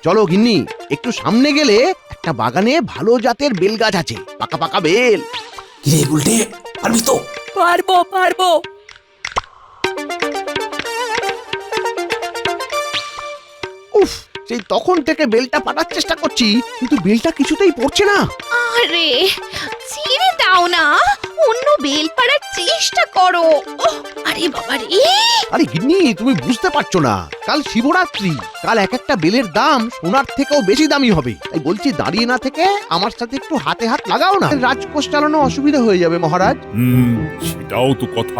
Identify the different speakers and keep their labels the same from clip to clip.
Speaker 1: চলো গিন্নি, একটু সামনে গেলে একটা বাগানে ভালো জাতের বেল গাছ আছে, পাকা পাকা বেল।
Speaker 2: কিরে উল্টে, পারবি তো?
Speaker 3: পারবো পারবো।
Speaker 1: উফ, সেই তখন থেকে বেলটা পাঠার চেষ্টা করছি, কিন্তু বেলটা কিছুতেই পড়ছে না।
Speaker 4: আরে ছেড়ে দাও না, অন্য বেল পাড়ার চেষ্টা করো। ওহ, আরে বাবা রে!
Speaker 1: আরে গিন্নি, তুমি বুঝতে পারছো না, কাল শিবরাত্রি, কাল এক একটা বেলের দাম সোনার থেকেও বেশি দামি হবে। তাই বলছি, দাঁড়িয়ে না থেকে আমার সাথে একটু হাতে হাত লাগাও না, রাজকোষ চালানো অসুবিধা হয়ে যাবে মহারাজ।
Speaker 5: সেটাও তো কথা।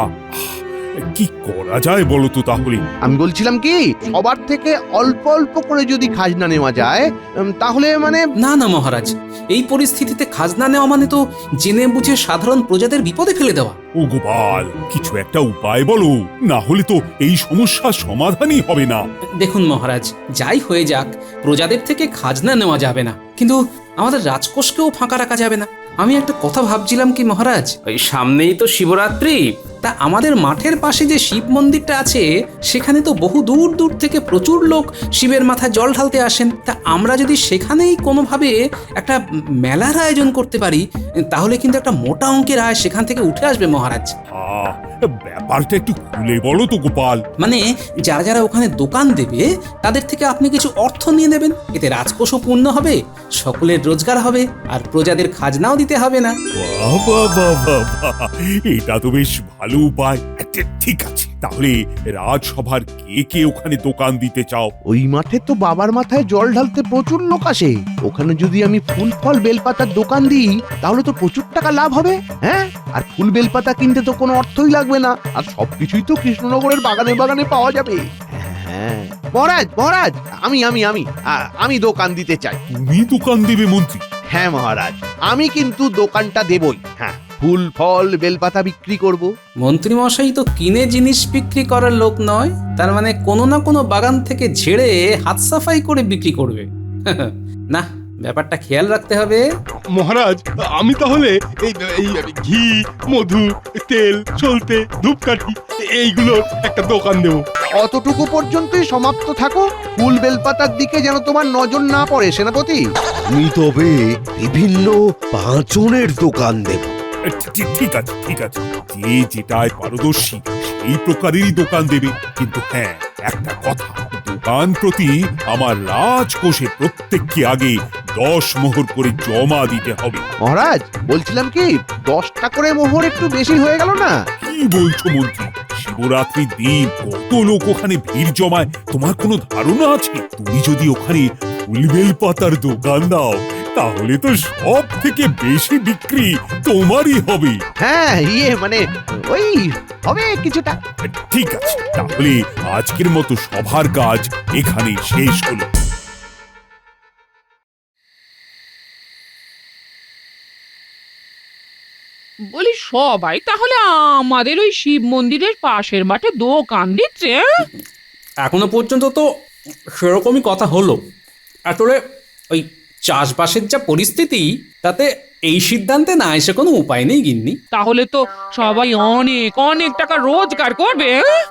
Speaker 5: কি করা যায় বলো তো তাহলে?
Speaker 1: আমি বলছিলাম কি, সবার থেকে অল্প অল্প করে যদি খাজনা নেওয়া যায়, তাহলে মানে
Speaker 2: না না মহারাজ, এই পরিস্থিতিতে খাজনা নেওয়া মানে তো জেনে বুঝে সাধারণ প্রজাদের বিপদে ফেলে দেওয়া।
Speaker 5: ও গোপাল, কিছু একটা উপায় বলো, না হলে তো এই সমস্যার সমাধানই হবে না।
Speaker 2: দেখুন মহারাজ, যাই হয়ে যাক, প্রজাদের থেকে খাজনা নেওয়া যাবে না, কিন্তু আমাদের রাজকোষকেও ফাঁকা রাখা যাবে না। আমি একটা কথা ভাবছিলাম কি মহারাজ, ওই সামনেই তো শিবরাত্রি, তা আমাদের মাঠের পাশে যে শিব মন্দিরটা আছে সেখানে তো বহু দূর দূর থেকে প্রচুর লোক শিবের মাথায় জল ঢালতে আসেন। তা আমরা যদি সেখানেই কোনোভাবে একটা মেলার আয়োজন করতে পারি, তাহলে কিন্তু একটা মোটা অঙ্কের আয় সেখান থেকে উঠে আসবে মহারাজ।
Speaker 5: ব্যাপারটা একটু খুলে বলো তো গোপাল।
Speaker 2: মানে যারা যারা ওখানে দোকান দেবে তাদের থেকে আপনি কিছু অর্থ নিয়ে নেবেন, এতে রাজকোষও পূর্ণ হবে, সকলের রোজগার হবে, আর প্রজাদের খাজনাও দিতে হবে না।
Speaker 5: বাবা বাবা, এটা তো বেশ ভালো উপায়। ঠিক আছে, তাহলে রাজসভার কে কে ওখানে দোকান দিতে চাও?
Speaker 1: ওই মাঠে তো বাবার মাথায় জল ঢালতে প্রচুর লোক আসে, ওখানে যদি আমি ফুল ফল বেলপাতার দোকান দিই তাহলে তো প্রচুর টাকা লাভ হবে। হ্যাঁ, আর ফুল বেলপাতা কিনতে তো কোনো অর্থই লাগবে না, আর সবকিছুই তো কৃষ্ণনগরের বাগানে বাগানে পাওয়া যাবে। হ্যাঁ মহারাজ, মহারাজ, আমি আমি আমি আমি দোকান দিতে চাই।
Speaker 5: তুমি দোকান দেবে মন্ত্রী?
Speaker 1: হ্যাঁ মহারাজ, আমি কিন্তু দোকানটা দেবই। হ্যাঁ, ফুল ফল বেলপাতা বিক্রি করব।
Speaker 2: মন্ত্রী মশাই তো কিনে জিনিস বিক্রি করার লোক নয়, তার মানে কোনো না কোনো বাগান থেকে ঝেড়ে হাত সাফাই করে বিক্রি করবে। না, ব্যাপারটা খেয়াল রাখতে হবে।
Speaker 6: মহারাজ, আমি তাহলে এই এই ঘি, মধু, তেল, সলতে, ধূপকাঠি এইগুলোর একটা দোকান দেবো।
Speaker 1: অতটুকু পর্যন্তই সমাপ্ত থাকো, ফুল বেলপাতার দিকে যেন তোমার নজর না পড়ে সেনাপতি।
Speaker 7: আমি তবে বিভিন্ন পাঁচনের দোকান দেব।
Speaker 5: ঠিক আছে, ঠিক আছে, যে যেটায় পারদর্শী সেই প্রকারেরই দোকান দেবে। কিন্তু হ্যাঁ, একটা কথা, দোকান প্রতি আমার রাজকোষে প্রত্যেককে আগে 10 মোহর করে জমা দিতে হবে।
Speaker 1: মহারাজ, বলছিলাম কি, 10টা করে মোহর একটু বেশি হয়ে গেল না?
Speaker 5: কি বলছো মন্ত্রী? শিবরাত্রির দিন কত লোক ওখানে ভিড় জমায় তোমার কোনো ধারণা আছে? তুমি যদি ওখানে ফুলবেল পাতার দোকান দাও তাহলে তো সব থেকে বেশি বিক্রি তোমারই হবে।
Speaker 1: হ্যাঁ, মানে ওই হবে কিছুটা।
Speaker 5: ঠিক আছে, তাহলে আজকের মতো সভার কাজ এখানে শেষ হলো।
Speaker 3: বলি সবাই তাহলে আমাদের ওই শিব মন্দিরের পাশের মাঠে দোকান দিচ্ছে?
Speaker 2: এখনো পর্যন্ত তো সেরকমই কথা হলো। আসলে ওই চাষবাসের যা পরিস্থিতি, তাতে এই সিদ্ধান্তে না এসে কোনো উপায় নেই গিন্নি।
Speaker 3: তাহলে তো সবাই অনেক অনেক টাকা রোজগার করবে।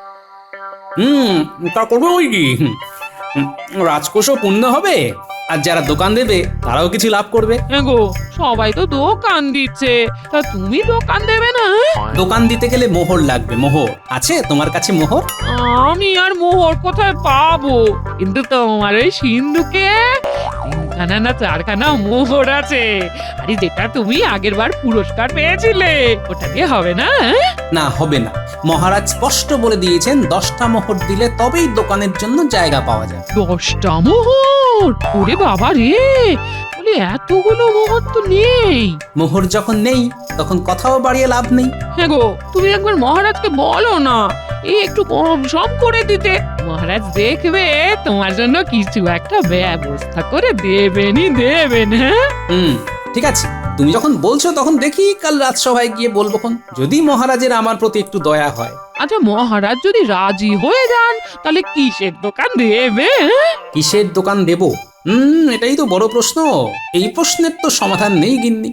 Speaker 2: তা করবো ওই কি, রাজকোষও পূর্ণ হবে, আর যারা দোকান দেবে তারাও কিছু লাভ করবে।
Speaker 3: হ্যাঁ গো, সবাই তো দোকান দিচ্ছে, তা তুমি দোকান দেবে না?
Speaker 2: দোকান দিতে গেলে মোহর লাগবে। মোহর আছে তোমার কাছে? মোহর?
Speaker 3: আমি আর মোহর কোথায় পাবো? কিন্তু তোমার ওই সিন্ধুকে 3খানা না 4খানা মোহর আছে। আরে যেটা তুমি আগের বার পুরস্কার পেয়েছিলে, ওটা দিয়ে হবে না?
Speaker 2: না, হবে না। মহারাজ স্পষ্ট বলে দিয়েছেন 10টা মোহর দিলে তবেই দোকানের জন্য জায়গা পাওয়া যায়।
Speaker 3: 10টা মোহর? ওরে বাবা রে, বলি এতগুলো মোহর তো নেই।
Speaker 2: মোহর যখন নেই তখন কথাও বাড়িয়ে লাভ নেই।
Speaker 3: হ্যাঁ গো, তুমি একবার মহারাজকে বলো না, এই একটু কম সম করে দিতে। মহারাজ দেখবে তোমার জন্য কিছু একটা ব্যবস্থা করে দেবেনই দেবেন। হ্যাঁ,
Speaker 2: ঠিক আছে, তুমি যখন বলছো তখন দেখি কাল রাজসভায় গিয়ে বলবো। যদি মহারাজের আমার প্রতি একটু দয়া হয়।
Speaker 3: আচ্ছা, মহারাজ যদি রাজি হয়ে যান তাহলে কিসের দোকান দেবে?
Speaker 2: কিসের দোকান দেব? এটাই তো বড় প্রশ্ন। এই প্রশ্নের তো সমাধান নেই গিন্নি।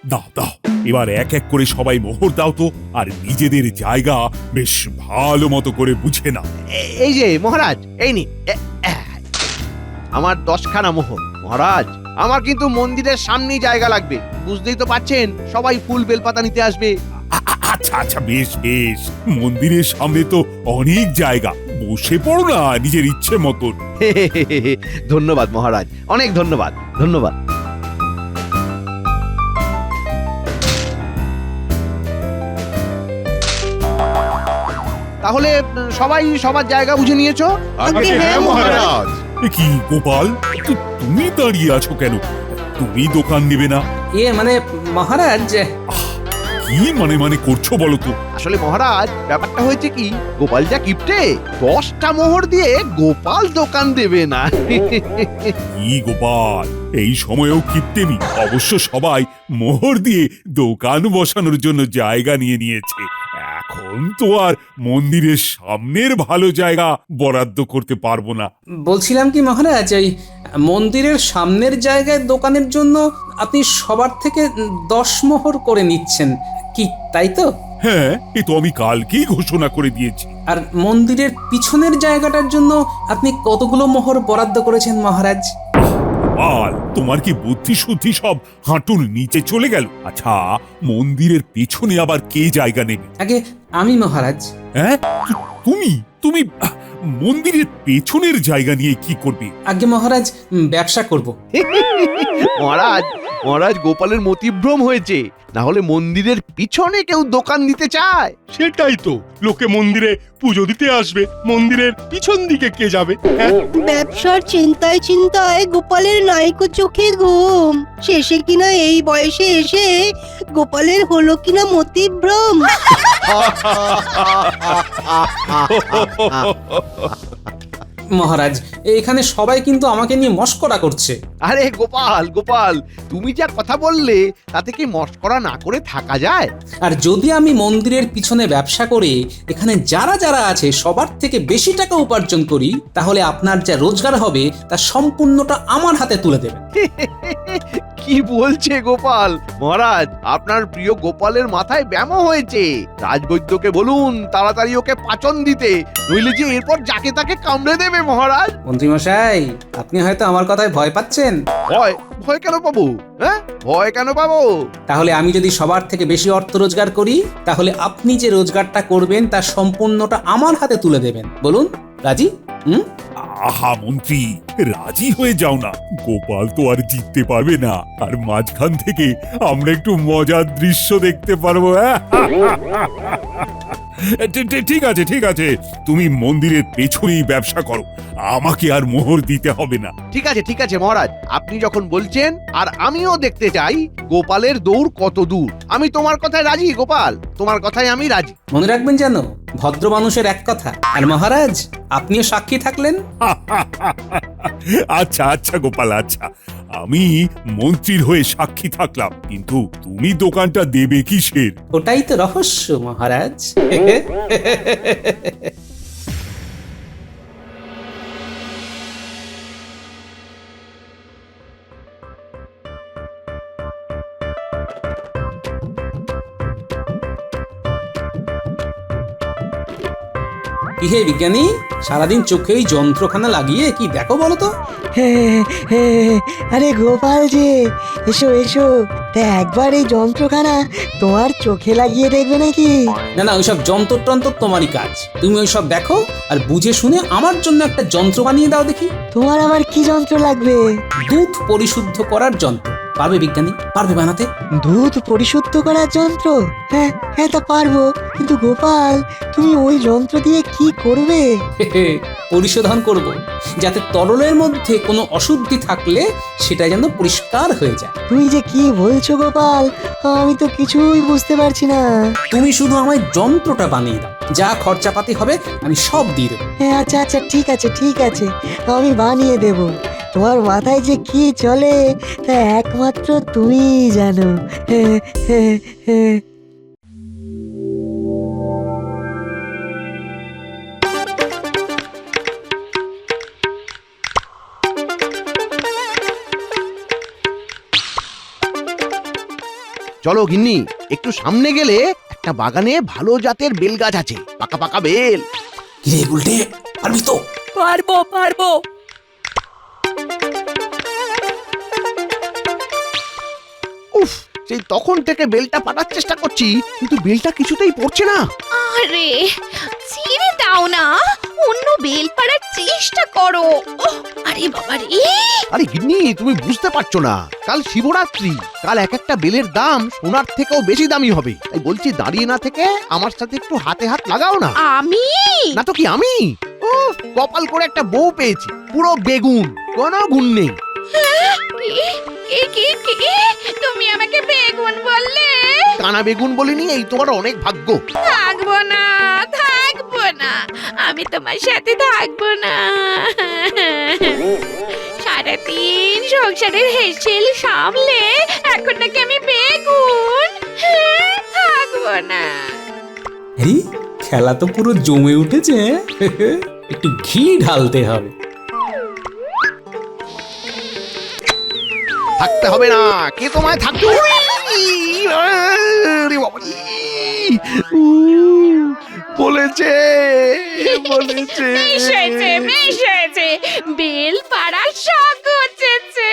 Speaker 5: দাও দাও, এবার এক এক করে সবাই মোহর দাও তো, আর নিজেদের জায়গা বেশ ভালো মতো করে বুঝে নাও।
Speaker 1: এই যে মহারাজ, এই নি আমার 10খানা মোহর। মহারাজ, আমার কিন্তু মন্দিরের সামনেই জায়গা লাগবে, বুঝতেই তো পাচ্ছেন সবাই ফুল বেলপাতা নিতে আসবে।
Speaker 5: আচ্ছা আচ্ছা, বেশ বেশ, মন্দিরের সামনে তো অনেক জায়গা, বসে পড়ো না নিজের ইচ্ছে মতন।
Speaker 1: ধন্যবাদ মহারাজ, অনেক ধন্যবাদ, ধন্যবাদ। তাহলে সবাই সবার জায়গা বুঝে নিয়েছো?
Speaker 4: আগে হ্যাঁ মহারাজ।
Speaker 5: এ কি গোপাল, তুমি দাঁড়িয়ে আছো কেন? তুমি দোকান নেবে না?
Speaker 2: মানে মহারাজ,
Speaker 5: কি মানে মানে করছো বলো তো?
Speaker 1: আসলে মহারাজ, ব্যাপারটা হয়েছে কি, গোপাল যা কিপটে, 10টা মোহর দিয়ে গোপাল দোকান দেবে না।
Speaker 5: কি গোপাল, এই সময়েও কিপ্টেমি? অবশ্য সবাই মোহর দিয়ে দোকান বসানোর জন্য জায়গা নিয়ে নিয়েছে, এখন তো আর মন্দিরের সামনের ভালো জায়গা বরাদ্দ করতে পারবো না।
Speaker 2: বলছিলাম কি মহারাজ, এই মন্দিরের সামনের জায়গায় দোকানের জন্য আপনি সবার থেকে 10 মোহর করে নিচ্ছেন, কি তাই তো?
Speaker 5: হ্যাঁ, এ তো আমি কালকেই ঘোষণা করে দিয়েছি।
Speaker 2: আর মন্দিরের পিছনের জায়গাটার জন্য আপনি কতগুলো মোহর বরাদ্দ করেছেন মহারাজ?
Speaker 5: গোপাল, তোমার কি বুদ্ধি শুদ্ধি সব হাঁটুর নিচে চলে গেল? আচ্ছা, মন্দিরের পেছনে আবার কে জায়গা নেবে?
Speaker 2: আগে আমি মহারাজ।
Speaker 5: হ্যাঁ, তুমি তুমি মন্দিরের পেছনের জায়গা নিয়ে কি করবে?
Speaker 2: আগে মহারাজ, ব্যবসা করব।
Speaker 1: মহারাজ, মহারাজ, গোপালের মতিভ্রম হয়েছে, না হলে মন্দিরের পিছনে কেউ দোকান দিতে চায়?
Speaker 6: সেটাই তো, লোকে মন্দিরে পুজো দিতে আসবে, মন্দিরের পিছন দিকে কে যাবে? হ্যাঁ,
Speaker 8: ব্যবসার চিন্তায় চিন্তায় গোপালের নাইকো চোখে ঘুম, শেষে কিনা এই বয়সে এসে গোপালের হলো কিনা মতিভ্রম।
Speaker 2: মহারাজ, এখানে সবাই কিন্তু আমাকে নিয়ে মশকরা করছে।
Speaker 1: আরে গোপাল, গোপাল, তুমি যা কথা বললে তাতে কি মস্করা না করে থাকা যায়?
Speaker 2: আর যদি আমি মন্দিরের পিছনে ব্যবসা করে এখানে যারা যারা আছে সবার থেকে বেশি টাকা উপার্জন করি, তাহলে আপনার যা রোজগার হবে তার সম্পূর্ণটা আমার হাতে তুলে দেবেন।
Speaker 1: কি বলছে গোপাল? মহারাজ, আপনার প্রিয় গোপালের মাথায় ব্যামো হয়েছে, রাজবৈদ্যকে বলুন তাড়াতাড়ি ওকে পাচন দিতে, নইলে যে এরপর যাকে তাকে কামড়ে দেবে মহারাজ।
Speaker 2: মন্ত্রীমশাই, আপনি হয়তো আমার কথায় ভয় পাচ্ছেন।
Speaker 1: ভয়? ভয় কেন পাবো? হ্যাঁ, ভয় কেন পাবো?
Speaker 2: তাহলে আমি যদি সবার থেকে বেশি অর্থ রোজগার করি, তাহলে আপনি যে রোজগারটা করবেন তার সম্পূর্ণটা আমার হাতে তুলে দেবেন। বলুন, রাজি?
Speaker 5: আহা মন্ত্রী, রাজি হয়ে যাও না, গোপাল তো আর জিততে পারবে না, আর মাঝখান থেকে আমরা একটু মজার দৃশ্য দেখতে পারবো। ঠিক আছে ঠিক আছে, তুমি মন্দিরের পেছনেই ব্যবসা করো, আমাকে আর মোহর দিতে হবে না।
Speaker 1: ঠিক আছে ঠিক আছে মহারাজ, আপনি যখন বলছেন, আর আমিও দেখতে চাই গোপালের দৌড় কত দূর। আমি তোমার কথায় রাজি গোপাল, তোমার কথায় আমি রাজি।
Speaker 2: মনে রাখবেন যেন, ভদ্র মানুষের এক কথা। আর মহারাজ, আপনিও সাক্ষী থাকলেন।
Speaker 5: আচ্ছা আচ্ছা গোপাল, আচ্ছা, আমি মন্ত্রীর হয়ে সাক্ষী থাকলাম, কিন্তু তুমি দোকানটা দেবে কিসের?
Speaker 2: ওটাই তো রহস্য মহারাজ। কি হে বিজ্ঞানী, সারাদিন চোখে এই যন্ত্রখানা লাগিয়ে কি দেখো বলো তো?
Speaker 9: আরে গোপাল যে, এসো এসো, তা একবার এই যন্ত্রখানা তোমার চোখে লাগিয়ে দেখবে নাকি?
Speaker 2: না না, ওইসব যন্ত্র টন্ত্র তোমারই কাজ, তুমি ওইসব দেখো আর বুঝে শুনে আমার জন্য একটা যন্ত্র বানিয়ে দাও দেখি।
Speaker 9: তোমার আবার কি যন্ত্র লাগবে?
Speaker 2: দুধ পরিশুদ্ধ করার যন্ত্র। পারবে বিজ্ঞানী? পারবে বানাতে?
Speaker 9: দুধ পরিশুদ্ধ করার যন্ত্র? হ্যাঁ হ্যাঁ, তা পারবো, কিন্তু গোপাল তুমি ওই যন্ত্র দিয়ে কি করবে?
Speaker 2: পরিশোধন করব, যাতে তরলের মধ্যে কোনো অশুদ্ধি থাকলে সেটা যেন পরিষ্কার হয়ে যায়।
Speaker 9: তুমি যে কি বলছো গোপাল, আমি তো কিছুই বুঝতে পারছি না।
Speaker 2: তুমি শুধু আমায় যন্ত্রটা বানিয়ে দাও, যা খরচাপাতি হবে আমি সব দিয়ে দেবো।
Speaker 9: হ্যাঁ আচ্ছা আচ্ছা, ঠিক আছে ঠিক আছে, আমি বানিয়ে দেব। তোমার মাথায় যে কি চলে তা একমাত্র তুমিই জানো।
Speaker 1: চলো গিন্নি, একটু সামনে গেলে একটা বাগানে ভালো জাতের বেল গাছ আছে, পাকা পাকা বেল।
Speaker 2: কিরে উল্টে পারবি তো?
Speaker 9: পারবো পারবো।
Speaker 1: উফ, সেই তখন থেকে বেলটা পাঠার চেষ্টা করছি, কিন্তু বেলটা কিছুতেই পড়ছে না।
Speaker 4: আরে ছিঁড়ে দাও না, অন্য বেল পাড়ার চেষ্টা করো। ওহ, আরে বাবা রে,
Speaker 1: আরে গিন্নি, তুমি বুঝতে পারছো না, কাল শিবরাত্রি, কাল এক একটা বেলের দাম সোনার থেকেও বেশি দামি হবে। তাই বলছি, দাঁড়িয়ে না থেকে আমার সাথে একটু হাতে হাত লাগাও না।
Speaker 4: আমি
Speaker 1: না তো কি আমি? ও, কপাল করে একটা বউ পেয়েছি, পুরো বেগুন, কোনো গুণ নেই।
Speaker 4: কি তুমি আমাকে বেগুন বললে?
Speaker 1: কানা বেগুন বলিনি, এই তোমার অনেক ভাগ্য।
Speaker 4: থাকবো না, থাকবো না, আমি তোমার সাথে থাকবো না। সারাদিন সংসারের হেসেল সামলে এখন নাকি আমি বেগুন? থাকবো না।
Speaker 2: আরে খেলা তো পুরো জমে উঠেছে। একটু ঘি ঢালতে হবে।
Speaker 1: থাকতে হবে না, কে তোমায় থাকতে হবে? আরে বাবা রে, বলেছে বলেছে।
Speaker 4: বেশ হয়েছে, বেল পাড়ার শখ হচ্ছে।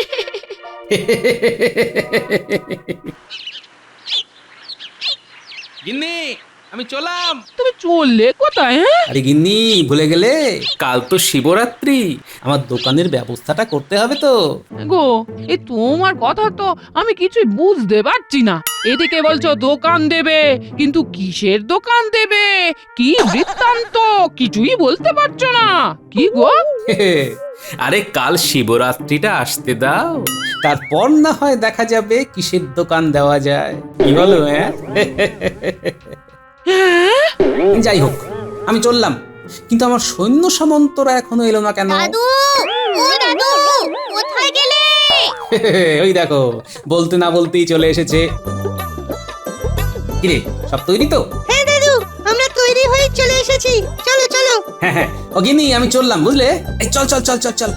Speaker 2: গিন্নি, আমি চলাম।
Speaker 3: তুমি চললে কোথায়? হ্যাঁ,
Speaker 2: আরে গিন্নি, ভুলে গেলে কাল তো শিবরাত্রি, আমার দোকানের ব্যবস্থাটা করতে হবে তো।
Speaker 3: গো, এই তোমার কথা তো আমি কিছুই বুঝতে পারছি না। এদিকে বলছো দোকান দেবে, কিন্তু কিসের দোকান দেবে, কি বৃত্তান্ত কিছুই বলতে পারছো না। কি গো?
Speaker 2: আরে কাল শিবরাত্রিটা আসতে দাও, তারপর না হয় দেখা যাবে কিসের দোকান দেওয়া যায়। কি বলো? যাই হোক, আমি চললাম, কিন্তু আমার সৈন্য সামন্তরা এখনো এলো না কেন?
Speaker 4: দাদু, ও দাদু, কোথায় গেলে?
Speaker 2: ওই দেখো, বলতে না বলতেই চলে এসেছে। কিরে, সব তৈরি তো?
Speaker 8: হ্যাঁ দাদু, আমরা তৈরি হয়ে চলে এসেছি, চলো চলো।
Speaker 2: হ্যাঁ হ্যাঁ, ও গিন্নি, আমি চললাম, বুঝলে? এই চল চল চল চল চল।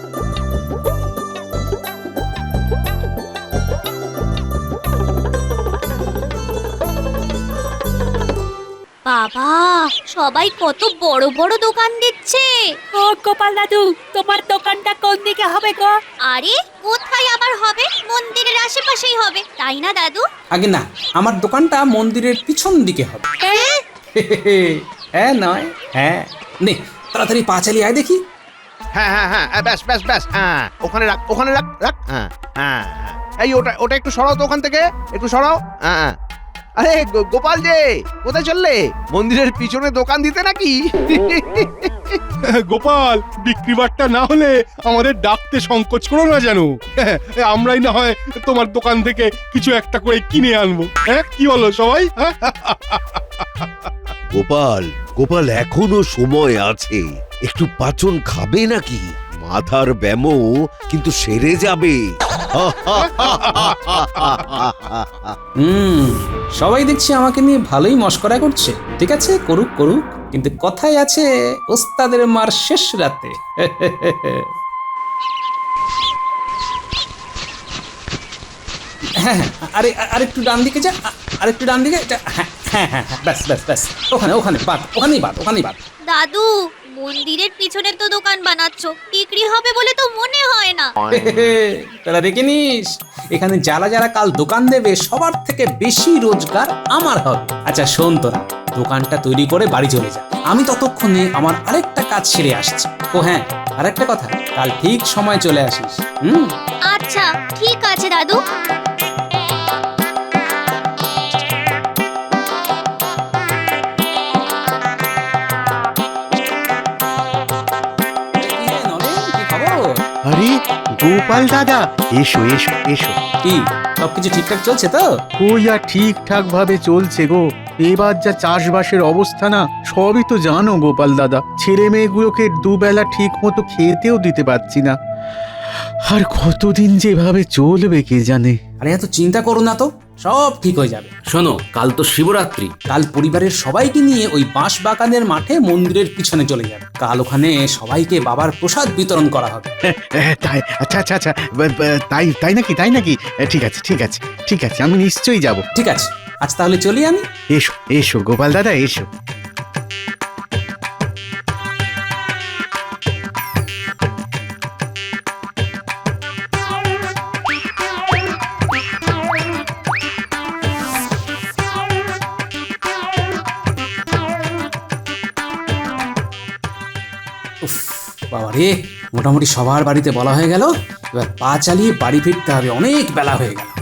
Speaker 4: বাবা, সবাই কত বড় বড় দোকান দিচ্ছে।
Speaker 9: ও গোপাল দাদু, তোমার দোকানটা কোন দিকে হবে গো?
Speaker 4: আরে কোথায় আবার হবে? মন্দিরের আশেপাশেই হবে, তাই না দাদু?
Speaker 2: আগে না, আমার দোকানটা মন্দিরের পিছন দিকে হবে। হ্যাঁ নয়, হ্যাঁ। নে তাড়াতাড়ি পা চালিয়ে আয় দেখি।
Speaker 1: হ্যাঁ হ্যাঁ হ্যাঁ, ব্যাস ব্যাস ব্যাস, হ্যাঁ, ওখানে রাখ, ওখানে রাখ রাখ। হ্যাঁ হ্যাঁ, এই ওটা ওটা একটু সরাও তো ওখান থেকে, একটু সরাও। হ্যাঁ, আরে গোপাল যে, কোথায় চললে? মন্দিরের পিছনে দোকান দিতে নাকি?
Speaker 6: গোপাল, বিক্রি বাট্টা না হলে আমাদের ডাকতে সংকোচ করো না যেন। আমরাই না হয় তোমার দোকান থেকে কিছু একটা করে কিনে আনবো। হ্যাঁ, কি বলো সবাই?
Speaker 7: গোপাল গোপাল, এখনো সময় আছে, একটু পাচন খাবে নাকি? মাথার ব্যামো কিন্তু সেরে যাবে।
Speaker 2: সবাই দেখছি আমাকে নিয়ে ভালোই মশকরা করছে। ঠিক আছে, করুক করুক, কিন্তু কথাই আছে, ওস্তাদের মার শেষ রাতে। হ্যাঁ হ্যাঁ, আরে আরেকটু ডান দিকে যা, আরেকটু ডান দিকে। হ্যাঁ হ্যাঁ হ্যাঁ, ব্যাস ব্যাস ব্যাস, ওখানে ওখানে বাদ, ওখানেই বাদ, ওখানেই বাদ।
Speaker 4: দাদু, মন্দিরের পিছনে তো দোকান বানাচ্ছো, বিক্রি হবে বলে তো মনে হয় না।
Speaker 2: তারা দেখে নিস, এখানে যারা যারা কাল দোকান দেবে সবার থেকে বেশি রোজগার আমার হবে। আচ্ছা শোন, তোরা দোকানটা তৈরি করে বাড়ি চলে যা, আমি ততক্ষণে আমার আরেকটা কাজ সেরে আসছি। ও হ্যাঁ, আরেকটা কথা, কাল ঠিক সময় চলে আসিস।
Speaker 4: আচ্ছা ঠিক আছে দাদু।
Speaker 10: আরে গোপাল দাদা, এসো এসো এসো।
Speaker 2: কি সবকিছু ঠিকঠাক চলছে তো?
Speaker 10: ওই আর ঠিকঠাক ভাবে চলছে গো। এবার যা চাষবাসের অবস্থা না, সবই তো জানো গোপাল দাদা। ছেলে মেয়েগুলোকে দুবেলা ঠিক মতো খেতেও দিতে পারছি না। আর কতদিন যেভাবে চলবে কে জানে।
Speaker 2: আরে এত চিন্তা করো না তো, সব ঠিক হয়ে যাবে। শোনো, কাল তো শিবরাত্রি, কাল পরিবারের সবাইকে নিয়ে ওই বাঁশ বাগানের মাঠে মন্দিরের পিছনে চলে যাবে। কাল ওখানে সবাইকে বাবার প্রসাদ বিতরণ করা হবে।
Speaker 10: তাই আচ্ছা আচ্ছা আচ্ছা তাই তাই নাকি তাই নাকি ঠিক আছে ঠিক আছে ঠিক আছে, আমি নিশ্চয়ই যাব।
Speaker 2: ঠিক আছে, আজ তাহলে চলি আমি।
Speaker 10: এসো এসো গোপাল দাদা এসো।
Speaker 2: উফ, বাবা রে, মোটামুটি সবার বাড়িতে বলা হয়ে গেল। এবার পা চালিয়ে বাড়ি ফিরতে হবে, অনেক বেলা হয়ে গেল।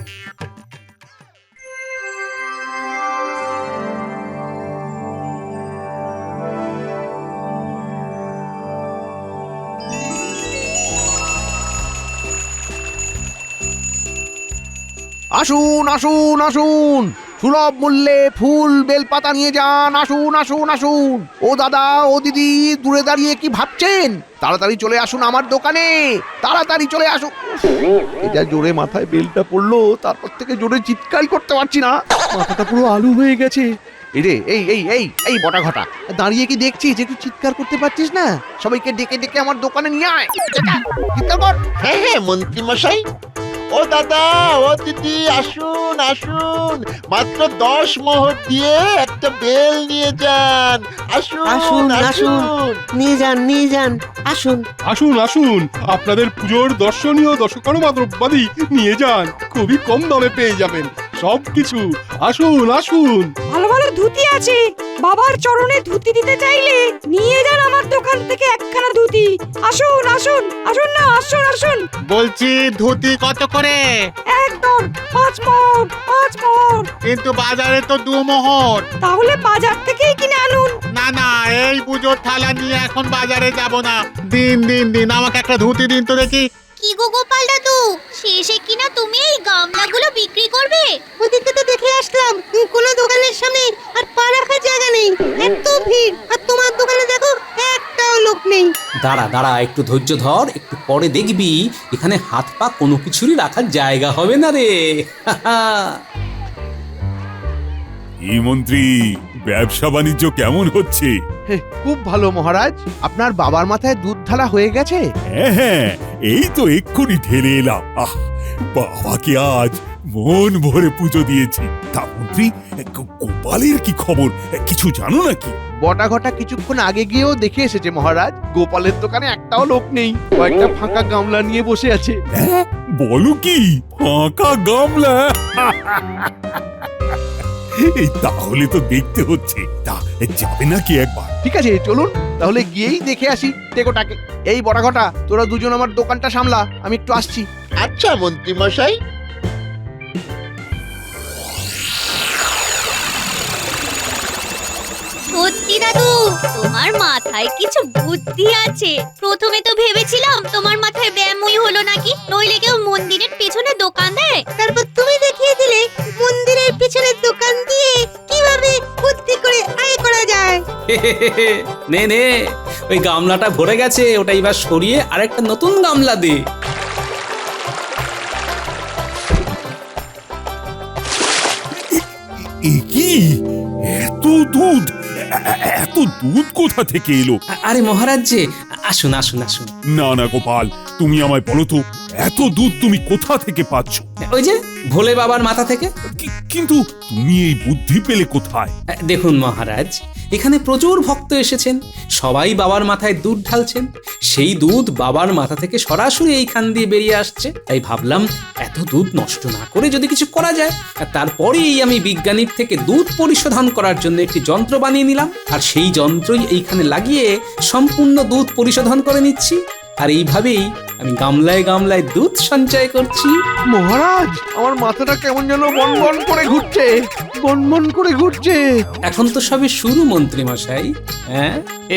Speaker 1: আসুন আসুন আসুন, সুলভ মূল্যে ফুল বেলপাতা নিয়ে যান। আসুন আসুন আসুন। ও দাদা, ও দিদি, দূরে দাঁড়িয়ে কি ভাবছেন? তাড়াতাড়ি চলে আসুন আমার দোকানে, তাড়াতাড়ি চলে আসুন। এটা জোরে মাথায় বেলটা পড়লো, তারপর থেকে জোরে চিৎকার করতে পারছি না, মাথাটা পুরো আলু হয়ে গেছে। এই রে, এই এই এই এই বটা ঘটা, দাঁড়িয়ে কি দেখছিস? একটু চিৎকার করতে পারছিস না? সবাইকে ডেকে ডেকে আমার দোকানে নিয়ে আয়, চিৎকার কর।
Speaker 11: হ্যাঁ হ্যাঁ মন্ত্রী মশাই, ও দাদা, ও দিদি, আসুন আসুন, মাত্র 10 মোহর দিয়ে একটা বেল নিয়ে যান। আসুন
Speaker 9: আসুন, আসুন।
Speaker 11: আসুন।
Speaker 9: নিয়ে যান আসুন।
Speaker 6: আসুন আসুন, আপনাদের পুজোর দর্শনীয় দশকর্মা দ্রব্যাদি নিয়ে যান, খুবই কম দামে পেয়ে যাবেন সবকিছু। আসুন আসুন।
Speaker 12: ভালো ভালো ধুতি আছে, বাবার চরণে ধুতি দিতে চাইলে নিয়ে যান আমার দোকান থেকে একখানা ধুতি। আসুন আসুন আসুন না, আসুন আসুন।
Speaker 13: বলছি ধুতি কত করে?
Speaker 12: একদম 5 মোহর, 5 মোহর।
Speaker 13: কিন্তু বাজারে তো 2 মোহর।
Speaker 12: তাহলে বাজার থেকেই কিনে আনুন।
Speaker 13: না না, এই পুজোর থালা নিয়ে এখন বাজারে যাব না। দিন দিন দিন, আমাকে একটা ধুতি দিন তো দেখি।
Speaker 4: কি গো গোপাল দাদু, শেষে কিনা তুমি এই গামলাগুলো বিক্রি করবে?
Speaker 8: ওদিকে তো দেখে আসলাম কোনো দোকানের সামনে আর পা রাখার জায়গা নেই, এত ভিড়, আর তোমার দোকানে দেখো একটাও লোক নেই।
Speaker 2: দাঁড়া দাঁড়া, একটু ধৈর্য ধর, একটু পরে দেখবি এখানে হাত পা কোনো কিছুরই রাখার জায়গা হবে না রে।
Speaker 5: এই মন্ত্রী, ব্যবসা বাণিজ্য কেমন হচ্ছে?
Speaker 1: খুব ভালো মহারাজ। আপনার বাবার মাথায় দুধ ঢালা হয়ে গেছে?
Speaker 5: হ্যাঁ হ্যাঁ, এই তো এক্ষুনি ঢেলে এলাম। আহ, বাবাকে আজ মন ভরে পুজো দিয়েছি। তা মন্ত্রী, গোপালের কি খবর, কিছু জানো নাকি?
Speaker 1: বটা ঘটা কিছুক্ষণ আগে গিয়েও দেখে এসেছে মহারাজ, গোপালের দোকানে একটাও লোক নেই, কয়েকটা ফাঁকা গামলা নিয়ে বসে আছে।
Speaker 5: হ্যাঁ, বলো কি, ফাঁকা গামলা? এই তাহলে তো দেখতে হচ্ছে, তা যাবে নাকি একবার?
Speaker 1: ঠিক আছে, চলুন তাহলে গিয়েই দেখে আসি টেকোটাকে। এই বটা ঘটা, তোরা দুজন আমার দোকানটা সামলা, আমি একটু আসছি।
Speaker 11: আচ্ছা মন্ত্রী মশাই।
Speaker 4: সত্যি দাদু, তোমার মাথায় কিছু বুদ্ধি আছে। প্রথমে তো ভেবেছিলাম তোমার মাথায় ব্যায়ামই হলো নাকি, নইলে কেউ মন্দিরের পেছনে দোকান দেয়।
Speaker 8: তারপর তুমি দেখিয়ে দিলে মন্দিরের পিছনের দোকান দিয়ে কিভাবে বুদ্ধি করে আয় করা যায়।
Speaker 2: নে নে, ওই গামলাটা ভরে গেছে, ওটা এবার সরিয়ে আরেকটা নতুন গামলা দে।
Speaker 5: এ কি, এত দুধ, এত দুধ কোথা থেকে এলো?
Speaker 2: আরে মহারাজ যে, আসুন আসুন আসুন।
Speaker 5: না না গোপাল, তুমি আমায় বলো তো, এত দুধ তুমি কোথা থেকে পাচ্ছ?
Speaker 2: ওই যে ভোলে বাবার মাথা থেকে।
Speaker 5: কিন্তু তুমি এই বুদ্ধি পেলে কোথায়?
Speaker 2: দেখুন মহারাজ, এখানে প্রচুর ভক্ত এসেছেন, সবাই বাবার মাথায় দুধ ঢালছেন, সেই দুধ বাবার মাথা থেকে সরাসরি এইখান দিয়ে বেরিয়ে আসছে। তাই ভাবলাম এত দুধ নষ্ট না করে যদি কিছু করা যায়। আর তারপরেই আমি বিজ্ঞানীর থেকে দুধ পরিশোধন করার জন্য একটি যন্ত্র বানিয়ে নিলাম, আর সেই যন্ত্রই এইখানে লাগিয়ে সম্পূর্ণ দুধ পরিশোধন করে নিচ্ছি। আর এইভাবেই আমি গামলায় গামলায় দুধ সঞ্চয় করছি।
Speaker 1: মহারাজ, আমার মাথাটা কেমন যেন বনবন করে ঘুরছে, বনবন করে ঘুরছে।
Speaker 2: এখন তো সবে শুরু মন্ত্রী মশাই। হ্যাঁ,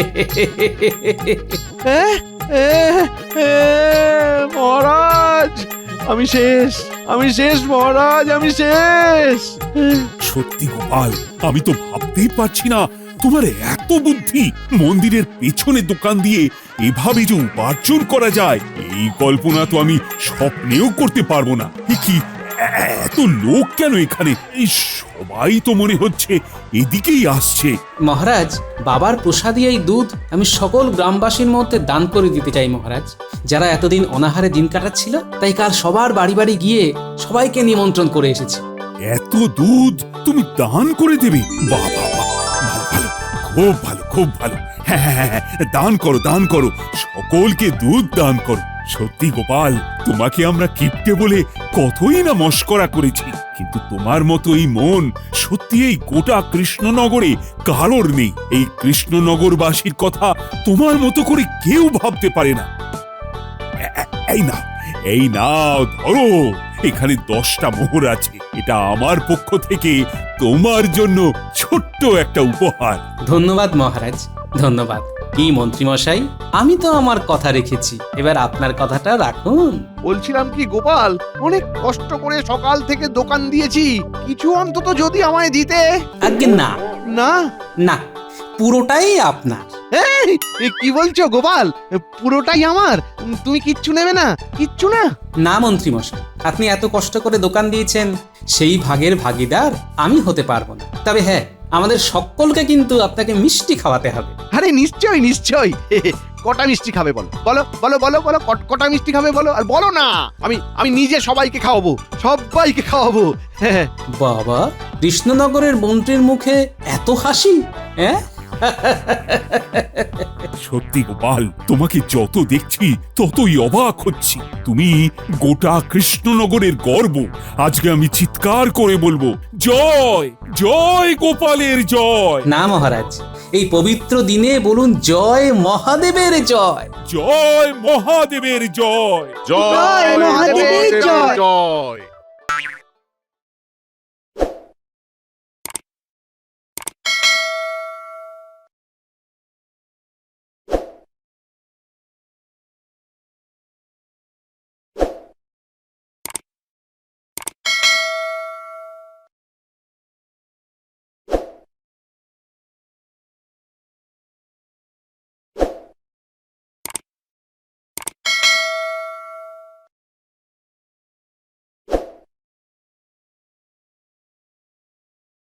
Speaker 1: মহারাজ, আমি শেষ, আমি শেষ মহারাজ, আমি শেষ।
Speaker 5: সত্যি গোপাল, আমি তো ভাবতেই পারছি না তোমার এত বুদ্ধি! মন্দিরের পেছনে দোকান দিয়ে এভাবে যে উপার্জন করা যায় এই কল্পনা তো আমি স্বপ্নেও করতে পারবো না। এ কি, এত লোক কেন এখানে? এই সবাই তো মনে হচ্ছে এদিকেই আসছে।
Speaker 2: মহারাজ, বাবার প্রসাদী এই দুধ আমি সকল গ্রামবাসীর মধ্যে দান করে দিতে চাই মহারাজ, যারা এতদিন অনাহারে দিন কাটাচ্ছিল। তাই কাল সবার বাড়ি বাড়ি গিয়ে সবাইকে নিমন্ত্রণ করে এসেছি।
Speaker 5: এত দুধ তুমি দান করে দেবে? বাবা, ভালো ভালো, খুব ভালো, খুব ভালো। হ্যাঁ হ্যাঁ হ্যাঁ, দান করো, দান করো, সকলকে দুধ দান করো। সত্যি গোপাল, তোমাকে আমরা কিপ্টে বলে কতই না মস্করা করেছি, কিন্তু তোমার মতো এই মন সত্যি এই গোটা কৃষ্ণনগরে কারোর নেই। এই কৃষ্ণনগরবাসীর কথা তোমার মতো করে কেউ ভাবতে পারে না। এই নাও, ধরো, এখানে 10টা মোহর আছে। এটা আমার পক্ষ থেকে তোমার জন্য ছোট্ট একটা উপহার।
Speaker 2: ধন্যবাদ মহারাজ, ধন্যবাদ। কি মন্ত্রী মশাই, আমি তো আমার কথা রেখেছি, এবার আপনার কথাটা রাখুন।
Speaker 1: বলছিলাম কি গোপাল, অনেক কষ্ট করে সকাল থেকে দোকান দিয়েছি, কিছু অন্তত যদি আমায় দিতে।
Speaker 2: আজ্ঞে না,
Speaker 1: না
Speaker 2: না, পুরোটাই আপনার।
Speaker 1: এই, এ কি বলছো গোপাল? পুরোটাই আমার? তুমি কিচ্ছু নেবে না? কিচ্ছু না?
Speaker 2: না মন্ত্রী মশাই, আপনি এত কষ্ট করে দোকান দিয়েছেন, সেই ভাগের ভাগিদার আমি হতে পারবো না। তবে হ্যাঁ, আমাদের সকলকে কিন্তু আপনাকে মিষ্টি খাওয়াতে হবে।
Speaker 1: আরে নিশ্চয়ই নিশ্চয়ই। কটা মিষ্টি খাবে বলো? বলো বলো বলো বলো, কটা মিষ্টি খাবে বলো? আর বলো না, আমি নিজে সবাইকে খাওয়াবো, সবাইকে খাওয়াবো। হ্যাঁ।
Speaker 2: বাবা, কৃষ্ণনগরের মন্ত্রীর মুখে এত হাসি! হ্যাঁ,
Speaker 5: সত্যি গোপাল, তোমাকে যত দেখছি ততই অবাক হচ্ছি। তুমি গোটা কৃষ্ণনগরের গর্ব। আজকে আমি চিৎকার করে বলবো, জয় জয় গোপালের জয়।
Speaker 2: না মহারাজ, এই পবিত্র দিনে বলুন জয় মহাদেবের জয়।
Speaker 5: জয় মহাদেবের জয়।
Speaker 8: জয় মহাদেবের জয়।
Speaker 6: জয়।